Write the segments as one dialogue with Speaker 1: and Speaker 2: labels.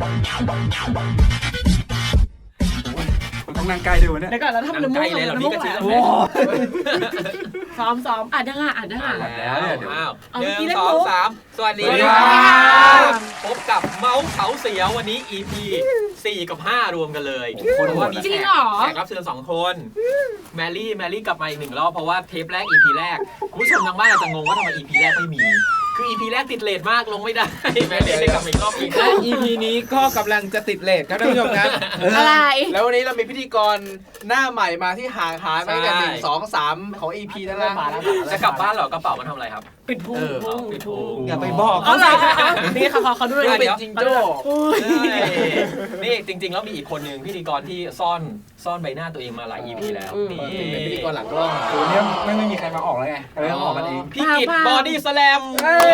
Speaker 1: ต้องนั่งใกล้ด้วยวะเนี่ย
Speaker 2: เดี๋ยวก่อนเราทำน้ำมูก
Speaker 3: เลยเรา
Speaker 2: น้ำ
Speaker 3: พี่
Speaker 2: มูก
Speaker 3: กระ
Speaker 2: ไหล
Speaker 3: ชื้น
Speaker 2: ซ้อมอ่านได้
Speaker 3: แล้วหนึ่ง
Speaker 2: เอาเมื่อกี้เล่น
Speaker 3: สอง
Speaker 2: มุก
Speaker 3: สามสวัสดี
Speaker 1: สวัสดี
Speaker 3: ค
Speaker 1: ครั
Speaker 3: รับ พบกับเมาส์เขาเสียววันนี้ EP 4 กับ 5 รวมกันเลยเพราะว่ามี
Speaker 2: จริ
Speaker 3: แข
Speaker 2: ง
Speaker 3: ก
Speaker 2: เหรอ
Speaker 3: รับเชิญ2 คนแมรี่กลับมาอีก1 รอบเพราะว่าเทปแรก EP แรกคุณผู้ชมทางบ้านอาจจะงงว่าทำไม EP แรกไม่มี คือ EP แรกติดเลทมากลงไม่ได้แมรี่เลยกลับมาอีกรอบอีก
Speaker 4: และ EP นี้ก็กำลังจะติดเลทครับท่านผู้ชมครับ
Speaker 2: อะไร
Speaker 4: แล้ววันนี้เรามีพิธีกรหน้าใหม่มาที่ห่างหายไปกัน1 2 3 ของ EP นั่นแหละมาแล้ว
Speaker 3: จะกลับบ้านเหรอกระเป๋ามันทำอะไรครับ
Speaker 2: ปิดพุง
Speaker 3: ปิดพุง
Speaker 4: อย่าไปบอก
Speaker 2: เอาเหรอนี่เขาดูเลย
Speaker 4: เป็นจิงโจ้
Speaker 3: นี่จริงๆแล้วมีอีกคนหนึ่งพิธีกรที่ซ่อนใบหน้าตัวเองมาหลาย EP แล้วนี่
Speaker 4: เป็นพิธีกรหลังกล้อง
Speaker 1: ตัวเนี้ยไม่มีใครมาออกแล้วไงเลยต้องออกกันเอง
Speaker 3: พี่กิตบอดี้สแลม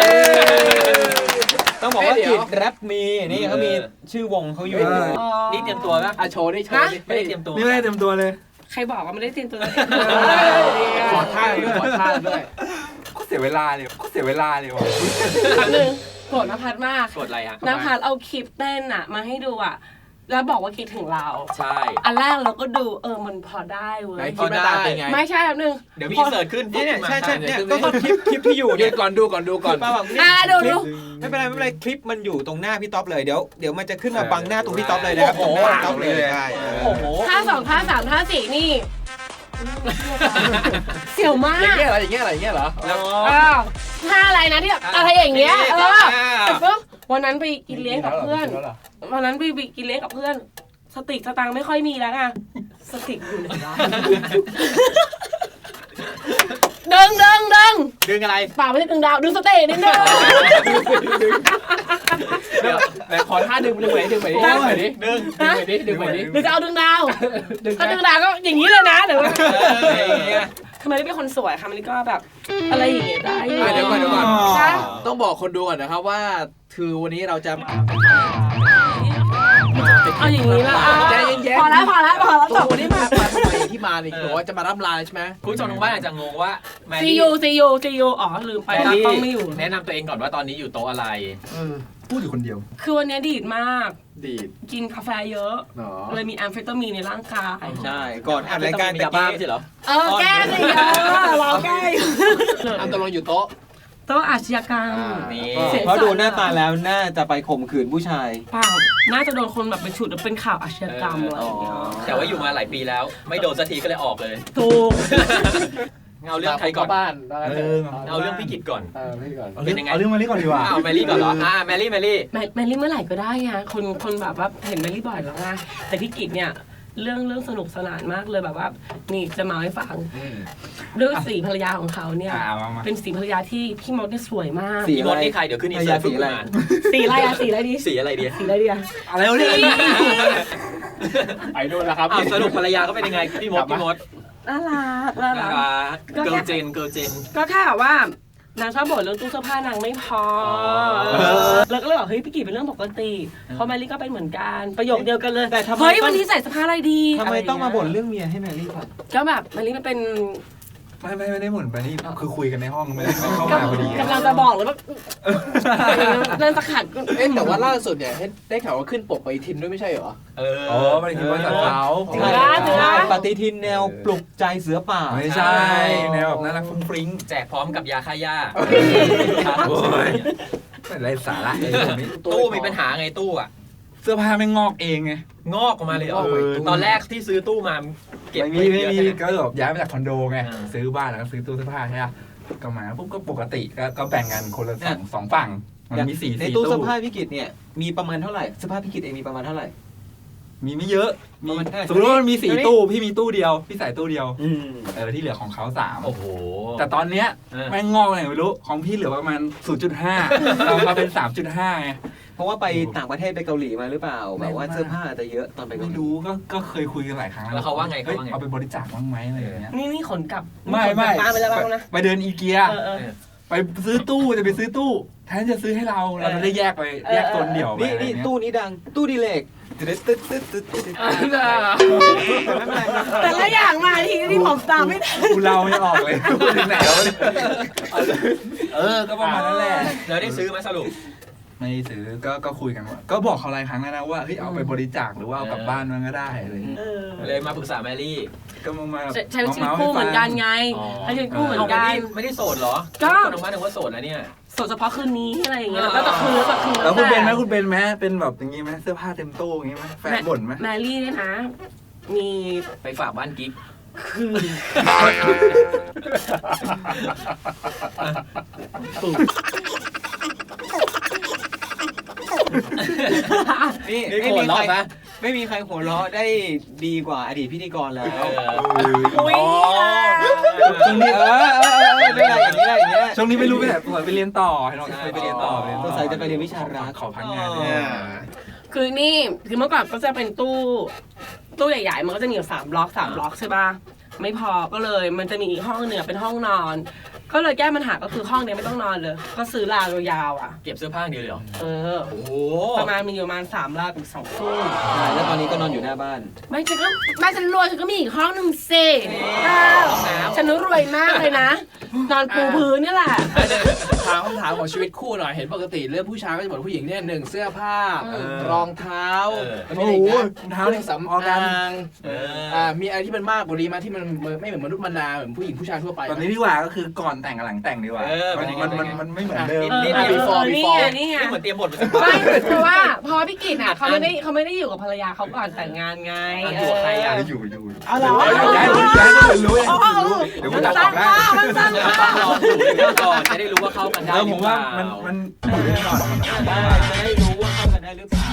Speaker 5: ต้องบอกว่ากิจแรปมีนี่เขามีชื่อวงเขาอยู่
Speaker 3: นี่เตรียมตัวป่ะ
Speaker 4: โชว์ดิโชว์ดิ
Speaker 3: ไม่ได้เตรียมตัว
Speaker 1: นี่ไม่ได้เต็มตัวเลย
Speaker 2: ใครบอกว่าไม่ได้เตรียมตัว
Speaker 4: ขอท่าด้วย
Speaker 1: ก็เสียเวลาเลยว่ะ
Speaker 2: ครั้งหนึ่งโกรธนภัสมาก
Speaker 3: กดอะไรฮะ
Speaker 2: นภัสเอาคลิปเต้นอะมาให้ดูอะแล้วบอกว่าคิดถึงเรา
Speaker 3: ใช่
Speaker 2: อันแรกเราก็ดูมันพอได้เว้
Speaker 4: ไหน
Speaker 2: ย
Speaker 4: คิดมาตามเป็นไง
Speaker 2: ไม่ใช่แบบนึง
Speaker 3: เดี๋ยวมีเสิร์ชขึ้น
Speaker 5: เนี่ยใช่เนี่ย
Speaker 4: ก็
Speaker 5: ก็คลิปที่อยู่
Speaker 4: เดี๋
Speaker 5: เนี่ย
Speaker 4: วยก่อนดูก่อน
Speaker 5: ป้าบอก
Speaker 2: ดู
Speaker 5: ไม่เป็นไรคลิปมันอยู่ตรงหน้าพี่ท็อปเลยเดี๋ยวมันจะขึ้นมาบังหน้าตรงพี่ท็อปเลยนะครับตรงหน้าพี่ท็อปเลยใช่
Speaker 3: โอ้โห
Speaker 2: ท่า 2 ท่า 3 ท่า 4 นี่ เสี่ยวมา
Speaker 4: อก ย่างเงี้ยเหรอ
Speaker 3: แล้ว
Speaker 2: ท่าอะไรนะที่แบบอะไรอย่างเงี้ยแต่ปุ๊บวันนั้นไปกินเลี้ยงกับเพื่อน วันนั้นไปกินเลี้ยงกับเพื่อน สติสตังค์ไม่ค่อยมีแล้วไงสติอยู่ไหนวะดึง
Speaker 3: ดึงอะไร
Speaker 2: เปล่าไม่ใช่ดึงดาวดึงสเตย์นิดนึง
Speaker 4: ไหนขอท่าดึงไปดิดึง
Speaker 3: ดึง
Speaker 2: หรือจะเอาดึงดาวถ้าดึงดาวก็อย่างนี้เลยนะเดี๋ยวทำไมไม่เป็นคนสวยค่ะมันก็แบบอะไรอย่างเงี้ยได้
Speaker 4: เดี๋ยวก่อนต้องบอกคนดูก่อนนะครับว่าคือวันนี้เราจะ
Speaker 2: เอาอย่างนี้ละ
Speaker 4: ใจเย็นๆ
Speaker 2: พอแล้วจ
Speaker 4: ตัว
Speaker 2: บ
Speaker 4: วันนี้มาทำไมที่มานี่บอกว่าจะมาร่ำลาใช่ไหม
Speaker 3: คุณผู้ชมทางบ้านอาจจะงงว่าแม
Speaker 2: ซี
Speaker 3: รี่
Speaker 2: ยูอ๋อลืมไปตากล้องไม่อยู่
Speaker 3: แนะนำตัวเองก่อนว่าตอนนี้อยู่โต๊ะอะไร
Speaker 1: พูดอยู่คนเดียว
Speaker 2: คือวันนี้ดีดมาก
Speaker 4: ดีด
Speaker 2: กินกาแฟเยอะ
Speaker 4: เนาะ
Speaker 2: เลยมีแอมเฟตามีนในร่างกาย
Speaker 5: ใช่ก่อนอัดรายการ
Speaker 3: มียาบ้าไม่ใช่เหรอ
Speaker 2: แก้สิเราแก้อยู่
Speaker 4: อันตกลงอยู่โต๊ะ
Speaker 2: โต๊ะอาชญากรรม
Speaker 3: นี่
Speaker 5: เพราะดูหน้าตาแล้วน่าจะไปข่มขืนผู้ชาย
Speaker 2: เปล่าน่าจะโดนคนแบบเป็นฉุดแล้วเป็นข่าวอาชญากรรมอะไรอย่างเงี้ย
Speaker 3: แต่ว่าอยู่มาหลายปีแล้ว ไม่โดนสักทีก็เลยออกเลย
Speaker 2: ถูก
Speaker 3: เอาเรื่องใครก่อน
Speaker 4: บ้าน
Speaker 3: เอาเรื่องพี่กิตก่อน
Speaker 4: พี่ก่อน
Speaker 3: เป็นยังไง
Speaker 1: เอาเรื่องมานี้ก่อนดีกว่า
Speaker 3: เอาแมรี่ก่อนเหรอแมรี่
Speaker 2: แมรี่เมื่อไหร่ก็ได้ไงคนแบบว่าเห็นแมรี่บ่อยแล้วไงแต่พี่กิจเนี่ยเรื่องสนุกสนานมากเลยแบบว่านี่จะมาให้ฟังเรื่องสีภรรยาของเขาเนี่ย
Speaker 1: มา
Speaker 2: เป็นสีภรรยาที่พี่มดเนี่ยสวยมาก
Speaker 3: พี่มดนี่ใครเดี๋ยวขึ้นอินเสิร์ต
Speaker 5: สีอะไร
Speaker 2: สีอะไรอะสีอะไรดี
Speaker 3: สีอะไรดี
Speaker 2: สีอะไรดีอะ
Speaker 1: อะไรวะเนี่ย
Speaker 4: ไปดูแล้วครับ
Speaker 3: สรุปภรรยาก็เป็นยังไงพี่มด
Speaker 2: น่ารัก
Speaker 3: เกิร์ลเจน
Speaker 2: ก็แค่แบบว่านางชอบบ่นเรื่องตู้เสื้อผ้านางไม่พอแล้วก็เลยบอกเฮ้ยพี่กิจเป็นเรื่องปกติเพราะแมรี่ก็เป็นเหมือนกันประโยคเดียวกันเลย
Speaker 5: แต่ทำไม
Speaker 2: เฮ้ยวันนี้ใส่เสื้อผ้าอะไรดี
Speaker 5: ทำไมต้องมาบ่นเรื่องเมียให้แมรี่ก่อน
Speaker 2: ก็แบบแมรี่มันเป็น
Speaker 1: ไม่ได้หมุนไปนี่คือคุยกันในห้องไม่ได้เข้ามาพอดี
Speaker 2: กำลังจะบอกเลยว่าเล่นสกัด
Speaker 4: แต่ว่าล่าสุดเนี่ยได้ข่าวว่าขึ้นปกไปทินด้วยไม่ใช่เหรอ
Speaker 1: อ๋อไม่ได้คิดว่าสัตว์เขา
Speaker 5: ปฏิทินแนวปลุกใจเสือป่า
Speaker 1: ไม่ใช่แนวแบบน่ารักฟุ้งฟริ้ง
Speaker 3: แจกพร้อมกับยาฆ่าหญ้า
Speaker 1: โอ้ยเป็นไรสาระไอ้พวกนี้
Speaker 3: ตู้มีปัญหาไงตู้อะ
Speaker 1: เสื้อผ้าไม่งอกเองไง
Speaker 3: งอกออกมาเลยตอนแรกที่ซื้อตู้มาเก็บ
Speaker 1: ไม่
Speaker 3: ไว้
Speaker 1: มี
Speaker 3: เยอะ
Speaker 1: ก็แบบย้ายมาจากคอนโดไง
Speaker 3: อ่า
Speaker 1: ซื้อบ้านแล้วก็ซื้อตู้เสื้อผ้าใช่ไหมก็มาปุ๊บก็ปกติก็แบ่งกันคนละสองฝั่งมันมี
Speaker 5: ใน
Speaker 1: สี่
Speaker 5: ตู้
Speaker 1: ตู้
Speaker 5: เสื้อผ้าพี่กิจเนี่ยมีประมาณเท่าไหร่เสื้อผ้าพี่กิจเองมีประมาณเท่าไหร่
Speaker 1: มีไม่เยอะมี
Speaker 5: ประมาณเท่าไหร่
Speaker 1: สมมติว่ามันมี4ตู้พี่มีตู้เดียวพี่ใส่ตู้เดียว ที่เหลือของเขา3
Speaker 3: โอ้โห
Speaker 1: แต่ตอนเนี้ยแม่งงอกอะไรไม่รู้ของพี่เหลือประมาณ 0.5 เรามาเป็น 3.5 ไง
Speaker 5: เพราะว่าไปต่างประเทศไปเกาหลีมาหรือเปล่าแบบว่าเสื้อผ้าจะเยอะตอนไปเกา
Speaker 1: ไม่
Speaker 5: หลี
Speaker 1: รู้ก็เคยคุยกันหลายครั้ง
Speaker 3: แล้วเขาว่าไง
Speaker 1: เอาไปบริจาคบ้างไหมอะไรอย่างเงี้ย
Speaker 2: นี่ขนกลับ
Speaker 1: ไม่
Speaker 2: บ้านไปแล้วบ้างนะ
Speaker 1: ไปเดินอีเกียไปซื้อตู้จะไปซื้อตู้แทนจะซื้อให้เราจะได้แยกไปแยกโซนเดี่ยวไป
Speaker 5: นี่ตู้นี้ดังตู้ดีเลกตึ๊ดตึ๊ดตึ๊ดตึ๊ดตึ๊ด
Speaker 2: แต่ละอย่างมาทีที่ผมตามไม่ทัน
Speaker 1: กูเล่าไม่ออกเลยพูดถึงไหนแล้วก็ประมาณนั้นแหละ
Speaker 3: แล้วได้ซื้อไหมสรุป
Speaker 1: ไม่ซื้อก็คุยกันว่าก็บอกเขาหลายครั้งแล้วนะว่าเฮ้ยเอาไปบริจาคหรือว่าเอากลับบ้านมันก็ได้อะไรอย่างเงี้ย
Speaker 3: เลยมาปรึกษาแมรี่
Speaker 1: ก็มา
Speaker 2: ใช้ชีวิตคู่เหมือนกันไงใช้ชีวิตคู่เหมือนกัน
Speaker 3: ไม่ได้โสดเหรอ
Speaker 2: ก็
Speaker 3: คนออกมาถึงว่าโสดแล้วเนี่ย
Speaker 2: โสดเฉพาะคืนนี้อะไรอย่างเงี้ยแล้วก็จะคืนแล้ว
Speaker 1: แล้วคุณเป็นไหมเป็นแบบอย่างงี้ไหมเสื้อผ้าเต็มตู้อย่างงี้ไหมแฟนบ่นไหม
Speaker 2: แมรี่เนี่ยนะมี
Speaker 3: ไปฝากบ้านกิ๊ก
Speaker 2: คืน
Speaker 5: นี่
Speaker 3: นี่
Speaker 5: ไม่
Speaker 3: โกร
Speaker 5: มี
Speaker 3: ธ
Speaker 5: ใคร
Speaker 3: รอบนะ
Speaker 5: ไม่มีใครหัวเราะได้ดีกว่าอดีตพิธีกรแล้ว
Speaker 2: อุ้ย
Speaker 1: ช่วงนี้
Speaker 5: ไม่เป็นไรอย่างนี้ได้อย่างนี้ได้
Speaker 1: ช่วงนี้ไม่รู้ไปไหนไปเรียนต่อให้น้องไปเรียนต่อ
Speaker 5: สงสัยจะไปเรียนวิชารัก
Speaker 1: ขอพักงาน
Speaker 2: คือนี่คือเมื่อก่อนก็จะเป็นตู้ใหญ่ๆมันก็จะมีอยู่3 บล็อกใช่ป่ะไม่พอก็เลยมันจะมีอีกห้องหนึ่งเป็นห้องนอน ก็เลยแก้ปัญหาก็คือห้องนี้ไม่ต้องนอนเลยก็ซื้อราวยาวๆอ่ะ
Speaker 3: เก็บเสื้อผ้าอย่างเดียวเลยเหรอ
Speaker 2: เออ
Speaker 3: โอ้โห
Speaker 2: ประมาณมีอยู่ประมาณ3 รากับ2 ตู้
Speaker 5: แล้วตอนนี้ก็นอนอยู่หน้าบ้าน
Speaker 2: ไม่ฉันก็แม่ฉันรวยฉันก็มีอีกห้องหนึ่งสิฉันรวยมากเลยนะ นอนปูพื้นนี่แหละ
Speaker 4: ถามคำถามของชีวิตคู่หน่อยเห็นปกติเรื่องผู้ชายก็จะบอกผู้หญิงเนี่ย1เสื้อผ้า รองเท้า
Speaker 1: โอ้โหเท้า
Speaker 4: เครื่
Speaker 1: นี่
Speaker 4: องสำ
Speaker 1: ออกกั
Speaker 4: อาน งมีอะไรที่มันมากกว่านี้ไหมที่มันไม่เหมือนมนุษย์มนาเหมือนผู้หญิงผู้ชายทั่วไป
Speaker 1: ตอนนี้ดีกว่าก็คือก่อนแต่งกับหลังแต่งดีกว่ามันไม่เหมือนเดิม
Speaker 2: นี่ไง
Speaker 3: นี่เหมือนเตรียมบทมาสัก
Speaker 2: ไม่เพราะว่าพี่กิตอ่ะเขาไม่ได้อยู่กับภรรยาเขาก่อนแต่งงานไง
Speaker 3: อยู่กับใครอ่ะ
Speaker 1: อยู่
Speaker 2: เอาเหรอ
Speaker 1: ย้ายคนรู้เดี๋ยว
Speaker 2: มั
Speaker 1: มัน
Speaker 2: น
Speaker 1: ตัด
Speaker 2: ส
Speaker 1: อ
Speaker 2: ร้า
Speaker 1: อง กได้
Speaker 2: มันสร้าง
Speaker 3: ก่อนจะได้รู้ว่าเข้ากันได้
Speaker 1: ผมว่ามันอยู่ด้วยกันก่อน
Speaker 5: ได้จะได้รู้ว่าเข้ากันได้หรือเปล่า